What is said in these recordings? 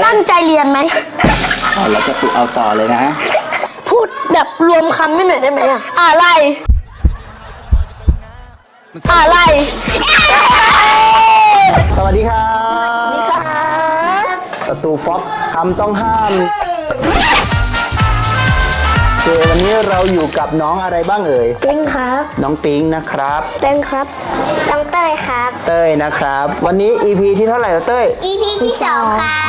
ตั้งใจเรียนไหมเราจะตุเอาต่อเลยนะพูดแบบรวมคำให้หน่อยได้ไหมอะไรสวัสดีครับสตูฟ็อกคำต้องห้ามวันนี้เราอยู่กับน้องอะไรบ้างเอ่ยปิ๊งครับน้องปิ๊งนะครับเต้นครับน้องเต้ยครับเต้ยนะครับวันนี้ EP ที่เท่าไหร่แล้วเต้ย EP ที่ 2ครับ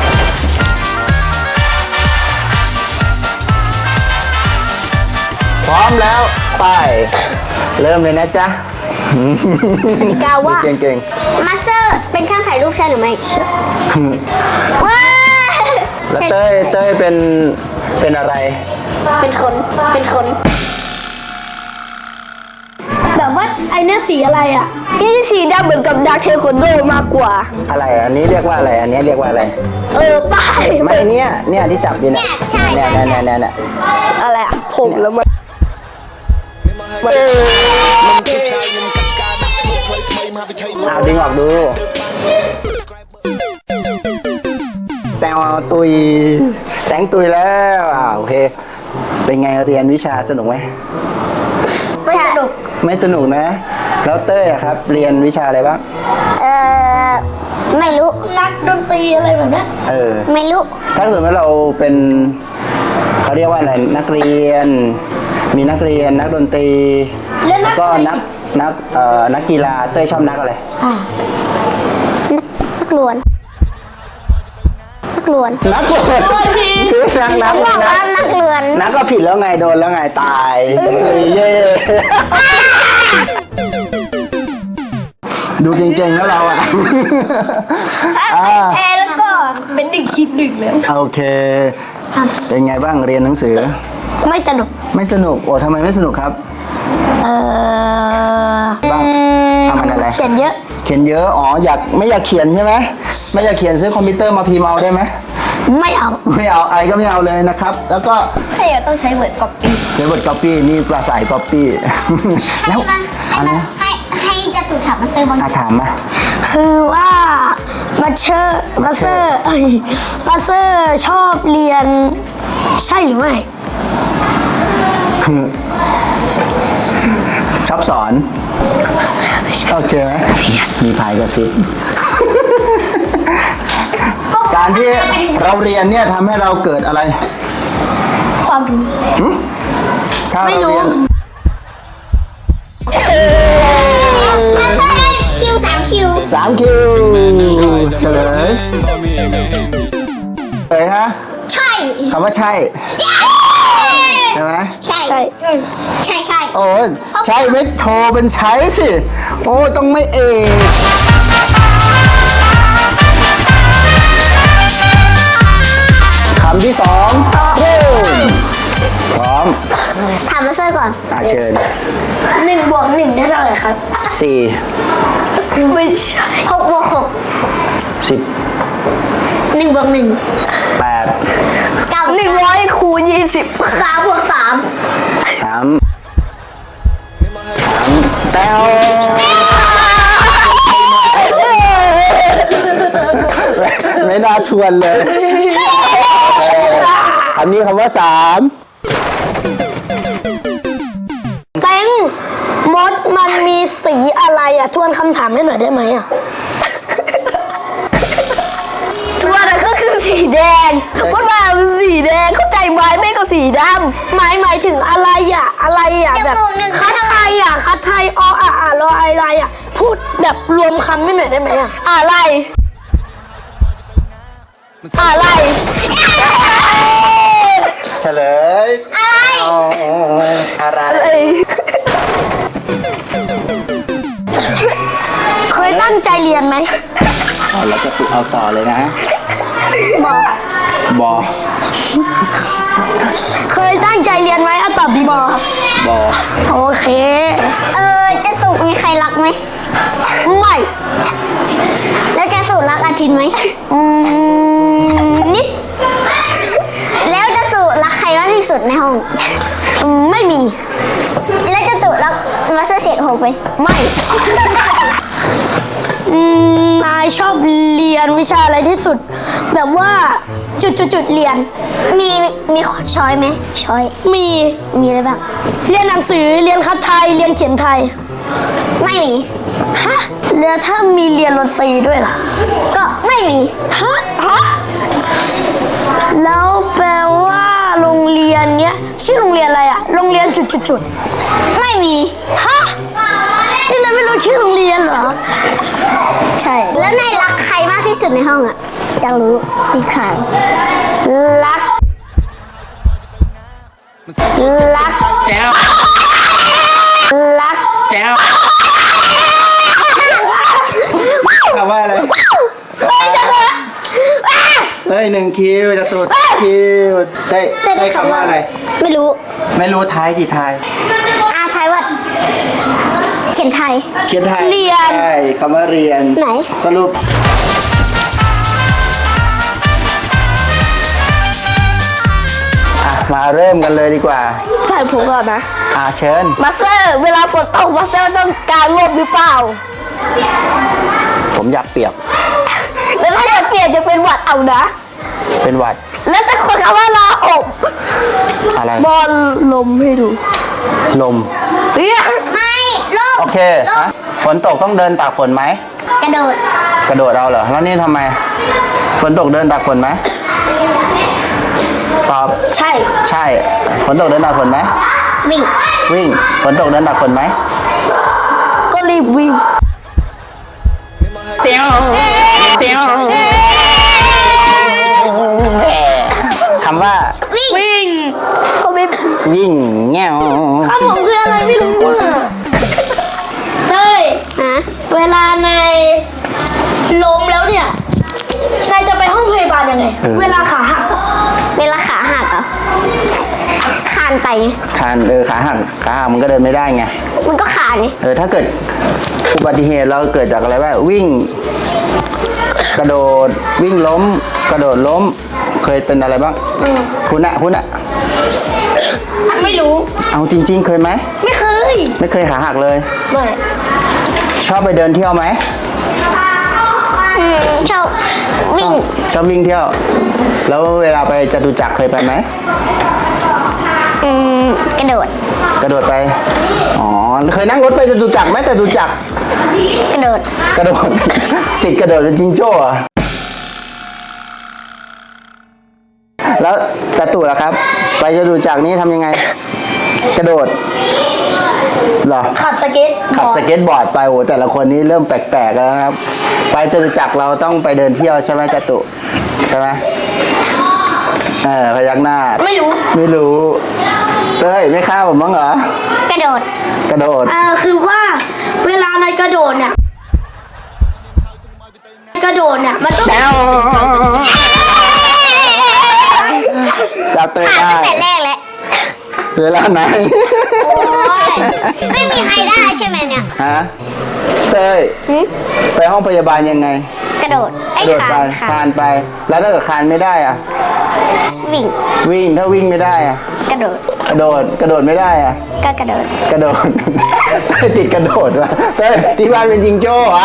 พร้อมแล้วไปเริ่มเลยนะจ๊ะกาว่าเก่งมาสเตอร์เป็นช่างถ่ายรูปใช่หรือไม่ว้าแล้วเต้ยเป็นอะไรเป็นคนแบบว่าไอเนี้ยสีอะไรอ่ะนี่สีดำเหมือนกับดาร์คเทควันโดมากกว่าอะไรอันนี้เรียกว่าอะไรอันนี้เรียกว่าอะไรป้ายไม่เนี่ยที่จับอยู่เนี่ยอะไรอ่ะผมแล้วมันดึงออกดูแต่ตุยแต่งตุยแล้วโอเคเป็นไงเรียนวิชาสนุกไหมไม่สนุกนะแล้วเต้ยครับเรียนวิชาอะไรบ้างไม่รู้นักดนตรีอะไรแบบนี้ไม่รู้ถ้าสมมติว่าเราเป็นเขาเรียกว่าอะไรนักเรียนมีนักเรียนนักดนตรีแล้วก็นักกีฬาเต้ยชอบนักอะไรนักลวนคือนักเลือนนักก็ผิดแล้วไงโดนแล้วไงตายเย่ดูเก่งๆแล้วเราแล้วก็เป็น1 คิด 1เลยโอเคเป็นไงบ้างเรียนหนังสือไม่สนุกโอ้ทำไมไม่สนุกครับบ้างทำอะไรเขียนเยอะอ๋อไม่อยากเขียนใช่ไหมไม่อยากเขียนซื้อคอมพิวเตอร์มาพิมพ์เอาได้ไหมไม่เอาอะไรก็ไม่เอาเลยนะครับแล้วก็ต้องใช้ Word Copy นี่ปลาสาย Copy แล้วอะไรให้จตุถามมาเซอร์บางถามมาคือว่ามาเซอร์ชอบเรียนใช่หรือไม่ชอบสอนโอเคไหมมีพายกระซิบการที่เราเรียนเนี่ยทำให้เราเกิดอะไรความรู้ถ้าเราเรียนคิว3 คิวเฉลยฮะใช่คำว่าใช่ใช่ไหมใช่โอ้ใช่ไม่โทรเป็นใช้สิโอ้ต้องไม่คำที่2พร้อมถามมาเซอร์ก่อนเชิญ 1 บวก 1ได้เท่าไหร่ครับ 4 ไม่ใช่6 บวก 6 10 1 บวก 1 8 100 คูณ 20 3 บวก 3 แต้วไม่น่าทวนเลยอันนี้คำว่า3 แตงมดมันมีสีอะไรทวนคำถามให้หน่อยได้ไหมทวนก็คือสีแดงมดมันสีแดงเข้าใจไหมไม่ก็สีดำหมายถึงอะไรแบบคัดไทยรออะไรพูดแบบรวมคำให้หน่อยได้ไหมอะไรเฉลยอะไรเคยตั้งใจเรียนไหมเราจะตุเอาต่อเลยนะบอเคยตั้งใจเรียนไหมตอบบอโอเคจะตุมีใครรักไหมไม่แล้วจะตุรักอาทิตย์ไหมนิดแล้วจะตุรักใครมากที่สุดในห้องไม่มีแล้วจะตุรักมามาสเตอร์เชฟ6ไปไม่ นายชอบเรียนวิชาอะไรที่สุด แบบว่าจุดเรียนมีช้อยไหมช้อยมีมีอะไรบ้างเรียนหนังสือเรียนคัดไทยเรียนเขียนไทยไม่มีฮะแล้วถ้ามีเรียนดนตรีด้วยล่ะก็ไม่มีฮะแล้วแปลว่าโรงเรียนเนี้ยชื่อโรงเรียนอะไรอะโรงเรียนจุดไม่มีฮะนี่นายไม่รู้ชื่อโรงเรียนเหรอใช่ แล้วนายรักใครมากที่สุดในห้องอ่ะอยากรู้มีใครรักรักแล้วรักแล้วคำว่าอะไรเฮ้ย1 คิวจะตูด3 คิวได้คำว่าอะไรไม่รู้ไม่รู้ท้ายกี่ทายไทยว่าเขียนไทยเขียนไทยเรียนใช่คำว่าเรียนไหนสรุปมาเริ่มกันเลยดีกว่าฝ่ายผมก่อนนะเชิญมาสเตอร์เวลาฝนตกมาสเตอร์ต้องการร่มหรือเปล่าผมอยากเปียกแล้วถ้าอยากเปลี่ยนจะเป็นหวัดเอานะเป็นหวัดแล้วสักคนคำว่าลาอบอะไรบอลลมให้ดูลมไม่ลูกโอเคฝนตกต้องเดินตากฝนไหมกระโดดกระโดดเอาเหรอ แล้วนี่ทำไม ฝนตกเดินตากฝนไหม ตอบใช่ใช่ ฝนตกเดินตากฝนไหมวิ่งวิ่ง ฝนตกเดินตากฝนไหมก็รีบวิ่งเตียวเตียวคำว่าวิ่งเขาไม่วิ่งแง่วคำผมคืออะไรไม่รู้อ่ะเฮ้ยฮะเวลาในล้มแล้วเนี่ยนายจะไปห้องพยาบาลยังไง เวลาขาหักเวลาขาหักเหรอคานไปไงขาหักมันก็เดินไม่ได้ไงมันก็ขาดไงถ้าเกิดอุบัติเหตุเราเกิดจากอะไรบ้างวิ่ง กระโดด วิ่งล้ม กระโดดล้ม เคยเป็นอะไรบ้างคุณอะไม่รู้เอาจริง ๆ เคยไหมไม่เคยไม่เคยขาหักเลยไม่ชอบไปเดินเที่ยวไหมชอบวิ่งชอบวิ่งเที่ยว แล้วเวลาไปจตุจักรเคยไปไหมกระโดดกระโดดไป อ๋อ เคยนั่งรถไปจตุจักรไหมจตุจักรกระโดดกระโดด ติดกระโดดเป็นจิงโจ้เหรอแล้วจตุล่ะครับ ไปจตุจักรนี้ทำยังไง กระโดดเหรอขับสเก็ตขับสเก็ตบอร์ดไปโอ้แต่ละคนนี้เริ่มแปลกๆแล้วนะครับ ไปจตุจักรเราต้องไปเดินเที่ยวใช่ไหมจตุใช่ไหมพยักหน้าไม่รู้ไม่รู้เฮ้ยไม่ฆ่าผมบ้างเหรอกระโดดกระโดดคือว่าเวลานายกระโดดเนี่ยมันต้องแล้วจับเตยขาดได้ตั้งแต่แรกแล้วเวลาไหนไม่มีใครได้ใช่ไหมเนี่ยฮะเตยไปห้องพยาบาลยังไงกระโดดกไอ้ระโดดขาไปดขาคาดนไป แล้วถ้าเกิดคานไม่ได้อะวิ่งวิ่งถ้าวิ่งไม่ได้อะกระโดดกระโดดไม่ได้อะก็กระโดดกระโดด ติดกระโดดวะเต้ยที่บ้านเป็นจิงโจ้เหรอ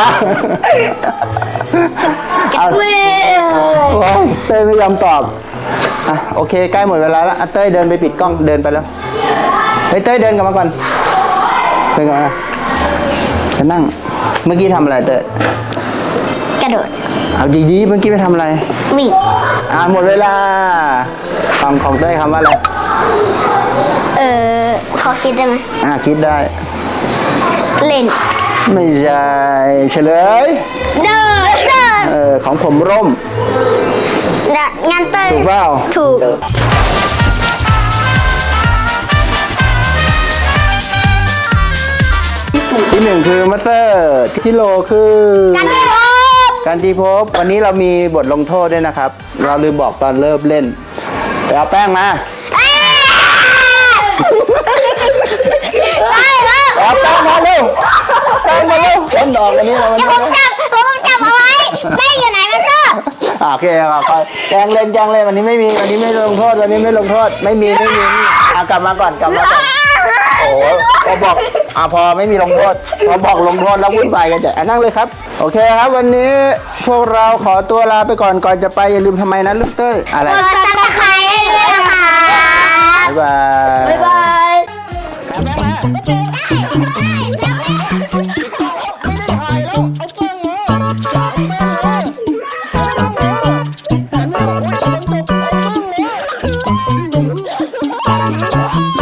เอาเว้ยโอ้ยเต้ยไม่ยอมตอบโอเคใกล้หมดเวลาแล้วเต้ยเดินไปปิดกล้องเดินไปแล้วเฮ้ยเต้ยเดินกลับมาก่อนเดินกลับมาจะนั่งเมื่อกี้ทำอะไรเต้ยกระโดดเอาดีๆเมื่อกี้ไปทำอะไรวิ่งหมดเวลาของเต้ยคำว่าอะไรขอคิดได้ไหมคิดได้เล่นไม่ใช่เฉลยเดินของผมร่มงานเต้นถูกเปล่าถูกที่หนึ่งคือมัสเตอร์ที่โลคือการที่พบการที่พบวันนี้เรามีบทลงโทษด้วยนะครับ เราลืมบอกตอนเริ่มเล่นไปเอาแป้งมาเอาแป้งมาเร็วแป้งมาเร็วเล่นดอกอันนี้เราเดี๋ยวผมจับเอาไว้แม่อยู่ไหนมาเซอร์โอเคครับแกงเล่นวันนี้ไม่มีวันนี้ไม่ลงโทษวันนี้ไม่ลงโทษไม่มีเอากลับมาก่อนโอ้พอบอกพอไม่มีลงโทษพอบอกลงโทษแล้ววุ่นวายกันแต่นั่งเลยครับโอเคครับวันนี้พวกเราขอตัวลาไปก่อนจะไปอย่าลืมทำไมนะลูกเต้ยอะไรกดซับสไครต์ด้วยนะคะบ๊ายบายบ๊ายบายไม่ได้ถ่ายแล้วเอากล้องมาเอากล้องมา